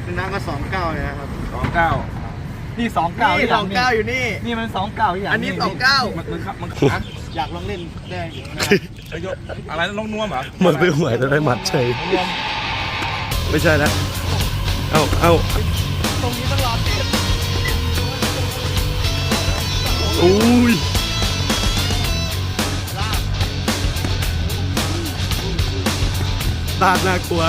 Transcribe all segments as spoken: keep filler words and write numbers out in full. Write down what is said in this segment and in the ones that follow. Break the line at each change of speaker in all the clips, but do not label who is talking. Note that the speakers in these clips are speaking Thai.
ชนะก็สองเก้าเลยนะครับ
สองเก้า
นี่สองเก้า
นี่สองเก้าอยู่นี่
นี่มันสองเก้าอย่าง
อันนี้สองเก้า
มันมันมัน
อยากลองเล่นได้
อะไรลงนวมเหรอ
เหมือนไปหวยแต่ได้หมัดเฉยไม่ใช่นะเอ้าเอ้า
ตรงนี้ต้องรอเตะ
อุ้ยตาดน่ากลัว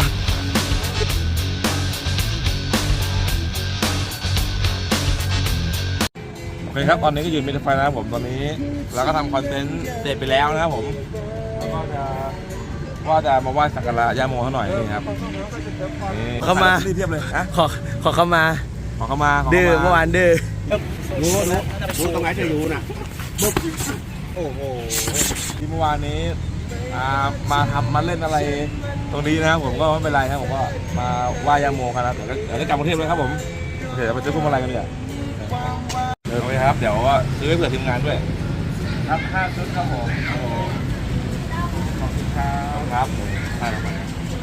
โอเคครับตอนนี้ก็ยืนมิดไฟนะครับผมตอนนี้เราก็ทำคอนเทนต์เสร็จไปแล้วนะครับผมแล้วก็จะว่าจะมาไหว้สักการะย่าโมเขาหน่อยนี่ครับ
เข้ามา
เทียบเลยนะ
ขอขอเข้ามา
ขอเข้ามา
ดื้อเมื่อวานดื้อ
รู้รู้รู้ตรงไหนจะรู้น่ะ
โอ้โหที่เมื่อวานนี้มาทำมาเล่นอะไรตรงนี้นะครับผมก็ไม่เป็นไรครับผมก็มาไหว้ย่าโมกันนะเดี๋ยวก็เดี๋ยวกลับกรุงเทพเลยครับผมโอเคเราไปซื้อพวงมาลัยกันเลยโอเคครับเดี๋ยวซื้อให้เผื่อทีมงานด้วยครับห้าชุดครับผมขอบคุณครับครับใช่ครับ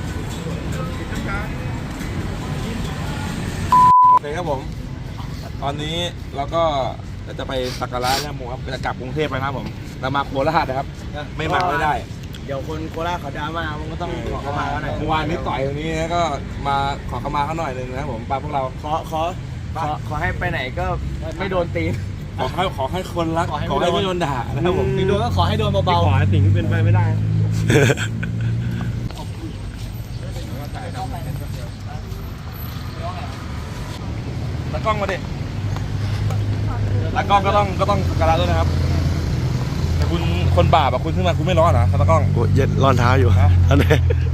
โอเคครับผมตอนนี้เราก็จะไปสักการะย่าโมครับจะกลับกรุงเทพไปนะครับผมเรามาโคราชนะครับไม่มาไม่ได้
เดี๋ยวคนโคราชเขาดราม่ามันก็ต้องขอเข้ามาเขาหน่อย
เมื่อวานนี้ต่อยตรงนี้ก็มาขอเข้ามาเขาหน่อยหนึ่งนะครับผมปาพวกเรา
ขอขอขอขอให้ไปไหนก็ไม่โดนตี
ขอให้ขอให้คนรักขอให้ไม่โดนด่านะครับผม
ตีโดนก็ขอให้โดนเบาๆ
ขอให้สิ่งที่เป็นไปไม่ได้
ตากล้องมาดิตากล้องก็ต้องก็ต้องสักการะด้วยนะครับแต่คุณคนบาปอะคุณขึ้นมาคุณไม่ร้อนเหรอตากล้อง
โอ้เย็นร้อนเท้าอยู่อันนี้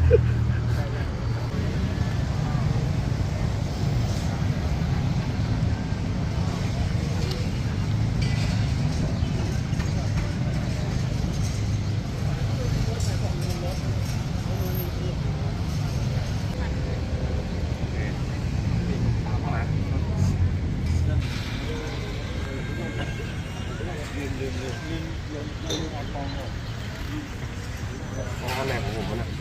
งานแหลกของผมนะ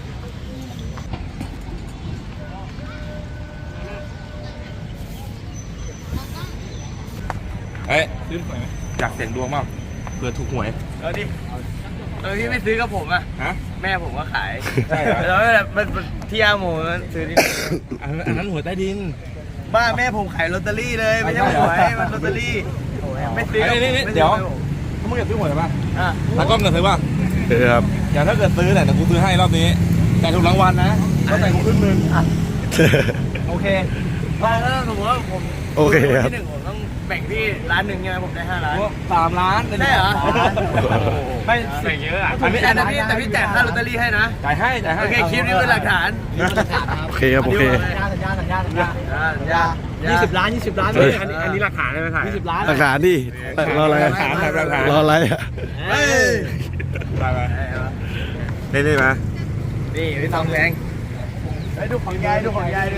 เอ้ยซื้อหวยไหมอยากเสี่ยงดวงมากเผื่อถูกหวย
เออดิเออพี่ไม่ซื้อกับผมอ่ะ
ฮะ
แม่ผมก็ขาย
ใช่เหรอ
แล้วมันที่ย่าโมซื้อที่
อันนั้นหวยใต้ดิน
บ้าแม่ผมขายลอตเตอรี่เลยไม่ใช่หวยมันลอตเตอรี่ไม่ซื้อ
เดี๋ยวเขาไม่อยากซื้อหวยหรือเปล่าตากล้องเงินซื้อป่ะ
ซื้อครับ
อย่างถ้าเกิดซื้อเนี่ยเดี๋ยวกูซื้อให้รอบนี้แต่ถูกรางวัลนะก็แต่งกูขึ้นมือ
โอเคถ้าสมมติว่าผม
โอเคครับ
ที่หนึ่งผมต้องแบ่งที่ร้านหนึ่งใช่ไหมผมได้ห้าล้าน
สามล้าน
ได้เหรอ
ไม่แบ่งเยอะอ่ะ
แต่พี่แต่พี่แต่พี่จ่ายค่าลอตเตอรี่ให้นะ
จ่ายให้จ่ายให้
โอเคคลิปนี้เป็นหลักฐาน
โอเคครับโอเค
สัญญาสัญญาสัญญาสัญญายี่สิบล้านยี่สิบล้าน
อันนี้อันนี้หลักฐานเลยถ่าย
ยี่สิบล้าน
หลักฐานดิรออะไร
หลักฐานหลักฐาน
รออะไรอ่ะ
เฮ้ย
ได้ไหมได้ได้ไหม
นี่พี่ทองแดงไอ้ดูของยายดูของยายด้วย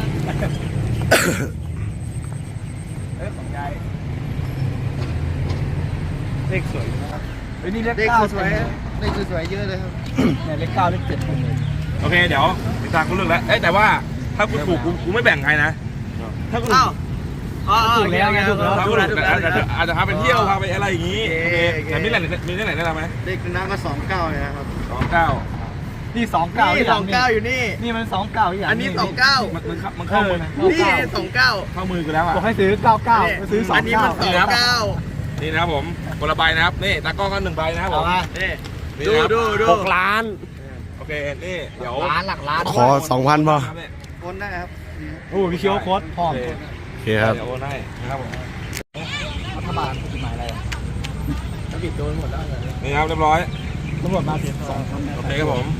เฮ้ยของยายเลขสวยนะครับเฮ้ยนี่เลขเก้าสวยเลขสวยเยอะเลยครับเนี่ยเลขเก้าเลขเจ็ดคนเลย
โอเคเดี๋ยวติดตามกูเลือกแล้วเอ้แต่ว่าถ้ากูถูกกูไม่แบ่งใครนะถ้ากู
อ้าวอ๋อถูกแล้วไงถูกแล้ว
อาจจะพาไปเที่ยวพาไปอะไรอย่างงี้แต่มีไหนมีที่ไหนได้ไหม
เลขชนะก็สองเก้าเลยนะครับ
สองเก้า
นี่สองเก้า
นี่สองเก้าอยู่นี่
นี่มันสองเก้าอย่าง
อันนี้สองเก้า
มันมันเข้ามือ
นี่สองเก้า
เข้ามือกูแล้วอ่ะ
บอกให้ซื้อเก้าเก้าซื้อสองเก้า
อันนี้มันสองเก้า
นี่นะครับผมคนละใบนะครับนี่ตากล้องกันหนึ่งใบนะครับผม
นี่ดูดูดู
หกล้าน
โอเคนี่เดี๋ยว
ล้านหลักล้าน
ขอสองพันป่ะ
โอนได้ครับ
โอ้พี่เคียวโค้ดพร้อม
โอเคครับ
เดี๋ยวโอนให้นะครับผม
รัฐบาลกฎหมายอะไรแล้วปิดโดนหมดแล้ว
นี่ครับเรียบร้อย
ตำรวจมาเสียสอง
โอเคครับผม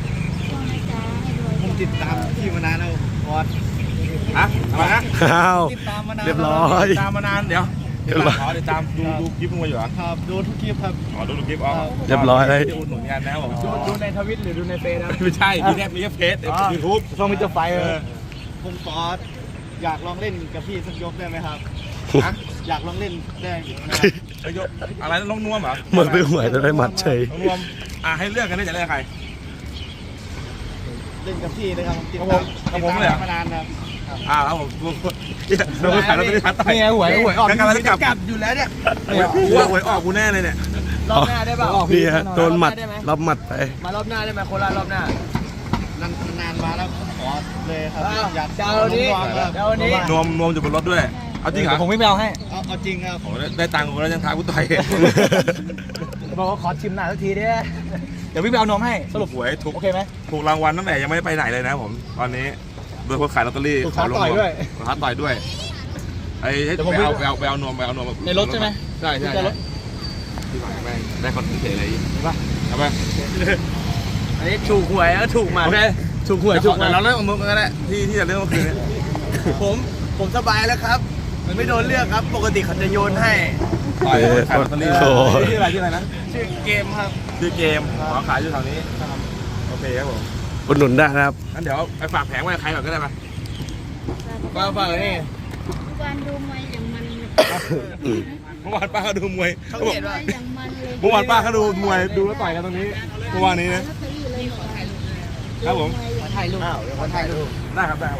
ผมติดตามที่มานานแล้วพอด
ฮะอะไรนะ
อ้าว
ติดตามมานาน
เรียบร้อย
ตามมานานเดี๋ยวเดี๋ยวขอติดตามดูดูคลิปมึงอยู่เหรอ
ครับดูทุกคลิปครับ
อ๋อดูทุกคลิปอ๋อ
เรียบร้อยเลย
ดูหนุนงานนะครับผม
ดูในทวิตหรือดูในเฟซนะ
ไม่ใช่มีแค่มีแค่เฟซยูทูบ
ช่องมิสเตอร์ไฟเออผมขออยากลองเล่นกับพี่สักยกได้ไหมครับอยากลองเล่นได้
ยกอะไรลงนวมเหรอ
เหมือนไปหวยแต่ได้หมัดเฉย
ลงนวมอ่ะให้เลือกกันได้จะเลือกใคร
เล่นกับพี่เลยครับติดตาม
กับผมเลย
มานานครับ
อ้าวครับผมเนี่ยเราขายลอตเตอรี่ท้าต่อย
นี่ไงหวยหวยออก
กำลังจะกลับ
กลับอยู่แล้วเนี่ย
กูว่าหวยออกกูแน่เลยเนี่ย
รอบหน้าได้เปล่า
นี่ฮะโดนหมัดรับหมัดไป
มารอบหน้าได้ไหมโคราชรอบหน้านานนานมาแล้วขอเลยครับอยาก
เจ้านี้เจ้านี้
นวมนวมอยู่บนรถด้วยเอาจริงเหรอ
ผมไม่ไปเอาให้
เอาเอาจริงครับ
โอ้ได้ตังค์กูแล้วยังท้ากูต่อย
บอกว่าขอชิมหน่อยสักทีเด้เดี๋ยวพี่ไปเอานมให้สรุป
หวยถูก
โอเคไหม
ถูกรางวัลตั้งแต่ยังไม่ได้ไปไหนเลยนะผมตอนนี้โดยคนขายลอตเตอรี่
ถูกท้าต่อยด้วย
ถูกท้าต่อยด้วยไอ้ให้
เดี๋ยวผม
ไปเอา
ไป
ไปเอาไปเอานวมไปเอานวม
ในรถใช่ไหม
ใช่ใช่
ในรถ
ที่ผ่านแม่งได้คอนเทนต์อะไรอีกป่ะเอาไป
อันนี้ถูกหวยแล้วถูกหมา
โอเค
ถูกหวย
เดี๋ยว
ถูกหวย
เราเล่นของมึงกันแหละที่ที่จะเล่นเมื่อคืนนี้
ผมผมสบายแล้วครับไม่โดนเลือกครับ ปกติเขาจะโยนให้
ต่อยคนขายลอตเตอรี่
โอ้โห
ชื่ออะไรชื่ออะไรนะ
ชื่อเกมครับ
ชื่อเกมขอขายอยู่แถวนี้โอเคครับผม
อุดหนุนได้นะครับ
งั้นเดี๋ยวไปฝากแผงไว้กับใครก่อนก็ได้ปะ
มาฟังนี่
การดูมวยอย่างมันเลย
เมื่อวานป้าเขาดูมวย
เขา
เขาบอก
เห็นว่า
อย่างมันเลย
เมื่อวานป้าเขาดูมวยดูแล้วต่อยกันตรงนี้เมื่อวานนี้นะ
ลอตเตอรี่เลยหน่อย
ครับผม
ขอถ่ายรูปอ้าวขอถ่ายรูป
ได้ครับได้ครับผม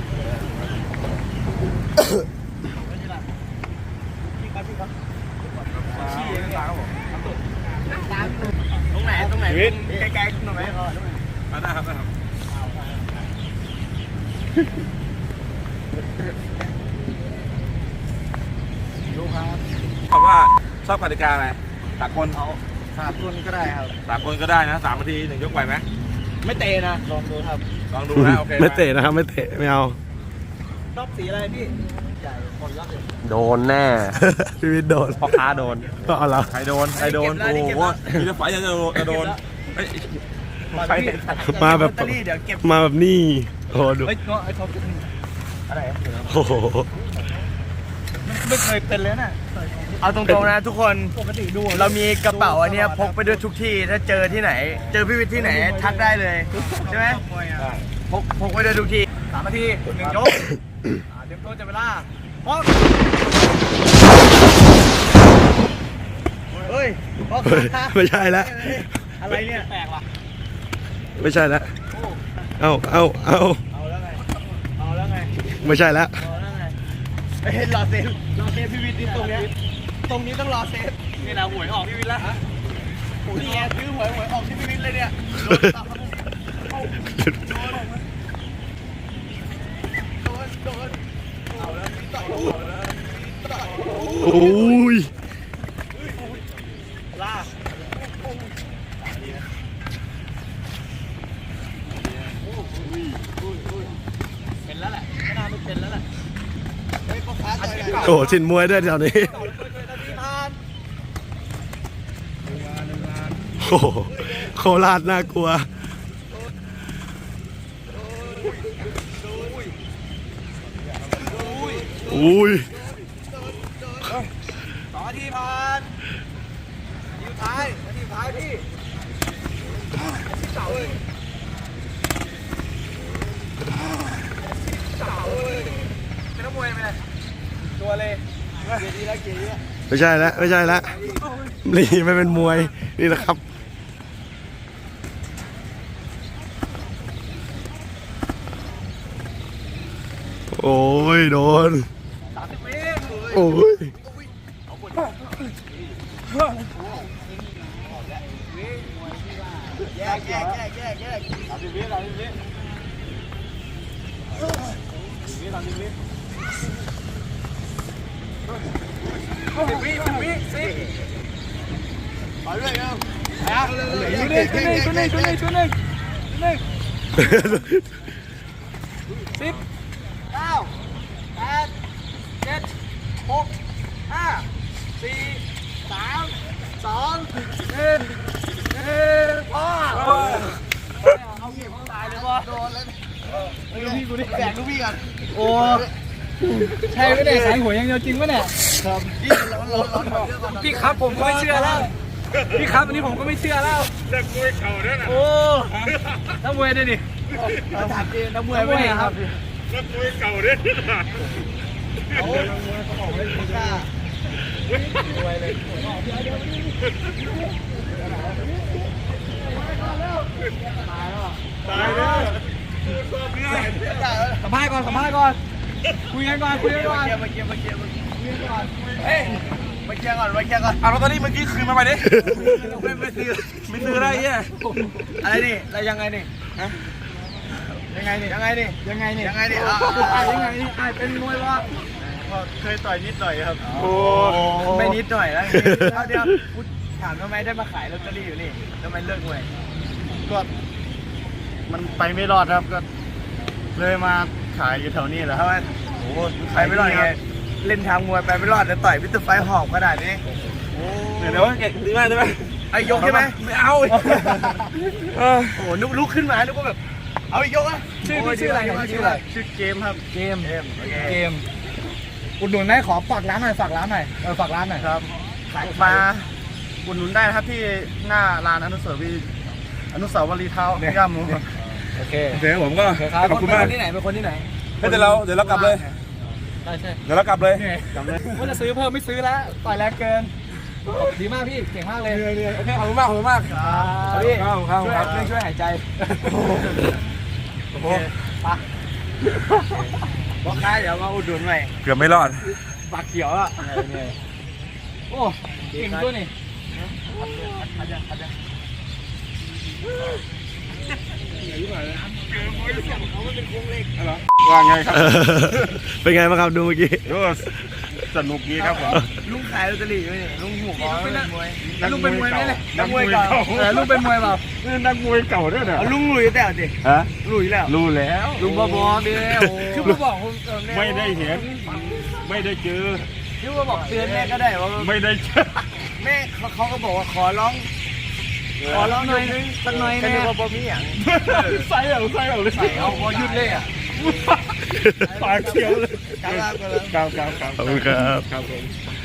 ตรงไหนตรงไหนใกล้ๆตรงไหน
ได้ครับได้ครับดูครับถามว่าชอบกติกาอะไรสากล
เอาสามคนก็ได้ครับ
สากลก็ได้นะสามนาทีหนึ่งยกไหวไหม
ไม่เตะนะลองดูครับ
ลองดูนะโอเค
ไม่เตะนะครับไม่เตะไม่เอา
รอบสีอะไรพี่ใหญ่คนรับเลย
โดนแน่
พี่วิทย์โดน
พ่อค้าโดน
ก็เอาละ
ใครโดนใครโดนโอ้โหมีแต่ฝ่ายจะโดนจะโดนเฮ้ยใครเนี่ย
มาแบบ
ลอตเตอรี่เดี๋ยวเก็บ
มาแบบนี่โอ้โหดู
เฮ้ยเงาะไอ้ท็อปอะไร
โอ้โห
ไม่เคยเป็นเลยน่ะเอาตรงๆนะทุกคนปกติดูเรามีกระเป๋าอันเนี้ยพกไปด้วยทุกที่ถ้าเจอที่ไหน เจอพี่วิทย์ที่ไหนทักได้เลยใช่ไหมพกพกไปด้วยทุกที่สามนาทีหนึ่งยกอ่าเตรียมตัวจับเวลาพร้อมเฮ้ยพร้อม
เฮ้ยไม่ใช่ละ
อะไรเนี่ยแปลกว่ะ
ไม่ใช่ละเอาเอาเอา
เอาแล้วไงเอาแล้วไง
ไม่ใช่ละ
เอาแล้วไงเฮ้ยรอเซฟรอเซฟพี่วิทย์นี่ตรงเนี้ยตรงนี้ต้องรอเซฟนี่นะหวยออกพี่วิทย์แล้วโอ้ยแย่ซื้อหวยหวยออกที่พี่วิทย์เลยเนี่ยโดนตับครับโดนโดนเอาแล้วต่อยเอาแล้วต่อย
โอ้ย
ลากเป็นแล้วแหละไม่น่าไม่เป็นแล้วแหละเฮ้ยพ่อค้าต่อยกัน
โอ้โหชินมวยด้วยแถวนี้
ต่อยเลยนาทีผ่าน
โอ้โหโคราชน่ากลัว อุ้ย
สองนาทีผ่านนาทีสุดท้ายนาทีสุดท้ายพี่เสาเลยเสาเลยเป็นนักมวยไหมตัวเลยเกียร์ดีแล้วเกียร์ดีแล้ว
ไม่ใช่ละไม่ใช่ละนี่ไม่เป็นมวยนี่นะครับ โอ้ยโดน
สามสิบเมตร
โอ้ย
แยกแยกแยกแยกแยกสามสิบเมตรสามสิบเมตรสามสิบเมตรสิบวิสิบวิสิบไปเรื่อยครับตัวหนึ่งตัวหนึ่งตัวหนึ่งตัวหนึ่งตัวหนึ่งสิบเก้าแปดเจ็ดหกห้าสี่สามสองหนึ่งหนึ่งพ่อเอาเก็บเขาตายเลยพ่อโดนแล้วลูกพี่กูดิแบกลูกพี่ก่อนโอ้ใช่ไหมเนี่ยสายหัวยังเดียวจริงไหมเนี่ยครับพี่ร้อนร้อนร้อนพี่ครับผมก็ไม่เชื่อแล้วพี่ครับอันนี้ผมก็ไม่เชื่อแล้วจะมวยเข่าด้วยนะโอ้นักมวยด้วยดิจัดเองนักมวยไม่ได้ครับนักมวยเก่าด้วยนะโอ้นักมวยเขาบอกไม่กล้ามวยเลยตายแล้วตายแล้วสัมภภาษณ์ก่อนสัมภาษณ์ก่อนคุยกันก่อนคุยกันก่อน
มาเกียร์มาเกียร์มาเกียร์
คุยกันก่อน
เฮ้ย
มาเกียร์ก่อนมาเกียร์ก่อน
เอาลอตเตอรี่เมื่อกี้คืนมาไปดิ
ไม่ไม่ซื้อ
ไม่ซื้ออะไรเนี่ย
อะไรนี่อะไรยังไงนี่ฮะยังไงนี่ยังไงนี่
ยังไงเนี่ย
ยังไงนี่
อ่ะ
อ่ะ
ยังไงนี่อ่ะเป็นมวยวะ
เคยต่อยนิดหน่อยครับ
โอ้
ไม่นิดหน่อยแล้วเอาเดี๋ยวพูดถามทำไมได้มาขายลอตเตอรี่อยู่นี่ทำไมเลิกมวย
ก็มันไปไม่รอดครับก็เลยมาขายอยู่แถวนี้แหละค
ทำ
รับ
ไมโอ้ไปไม่รอดไงเล่นทางมวยไปไม่รอดแต่ต่อยพิสต์ไฟหอบขนาดนี้
เดี๋ยวว่าเก่งดีมากใช่ไหม
ไอ้ยกใช่ไหม
ไม่เอาเออ
โอ้โหนุกลุกขึ้นมานึกว่าแบบเอาอีกยกอ่ะ
ชื่อพี่ชื่ออะไรเนี่ยชื่ออะไร
ชื่อเกมครับ
เกม
เกมโอเค
เกมอุดหนุนไหมขอฝากร้านหน่อยฝากร้านหน่อยเออฝากร้านหน่อย
ครับมาอุดหนุนได้นะครับที่หน้าร้านอนุสาวรีย์อนุสาวรีย์เท้าย่าหมูครับ
โอเค
โอเคผมก็
ครับ
ขอบคุณมาก
เป็นคนที่ไหนเป็นคนที่ไหน
เฮ้ยเดี๋ยวเราเดี๋ยวเรากลับเลย
ใช่ใช่
เดี๋ยวเรากลับเลย
ว่าจะซื้อเพิ่มไม่ซื้อแล้วต่อยแรงเกินดีมากพี่เก่งมากเลย
โอเคขอบคุณมากขอบคุณมาก
ครับพี่
ครับครับ
ช่วย
ครับ
เรื่องช่วยหายใจ
โอ้โห
ปะ
บอกค้าเดี๋ยวมาอุดหนุนหน่อย
เกือบไม่รอด
ปากเขียวอ่ะโอ้เก่งด้วยนี่
ว่าไงครับ
เป็นไงบ้างครับดูเมื่อกี้
ก็สนุกดีครับผม
ลุงขายลอตเตอรี่อยู่นี่ลุงหัวก้อนเป็นมวย
ลุงเป็นมวยไหมเนี่ย
นักมวยเก่า
เออลุงเป็นมวยเปล่า
นี่นักมวยเก่าด้วยเนี่ย
เอาลุงลุยแต่ดิ
ฮะ
ลุยแล้ว
รู้แล้ว
ลุงบอบอเดียวคือมาบอกคุณเออแ
ไม่ได้เห็น ไม่ได้เจอ
คือมาบอกเตือนแม่ก็ได้ว่า
ไม่ได้เจอ
แม่เขาเขาก็บอกว่าขอร้อง ขอร้องหน่อยนึงสักหน่อยนะก็บอกมีอย่าง
ใส่เอาใส่เอาเลย
ใส่เอาพอยุดเลยอ่ะ
ปากเขียวเลย
กล้าๆกันเลย
ครับครับครับ
ขอบคุณครับ
ครับผม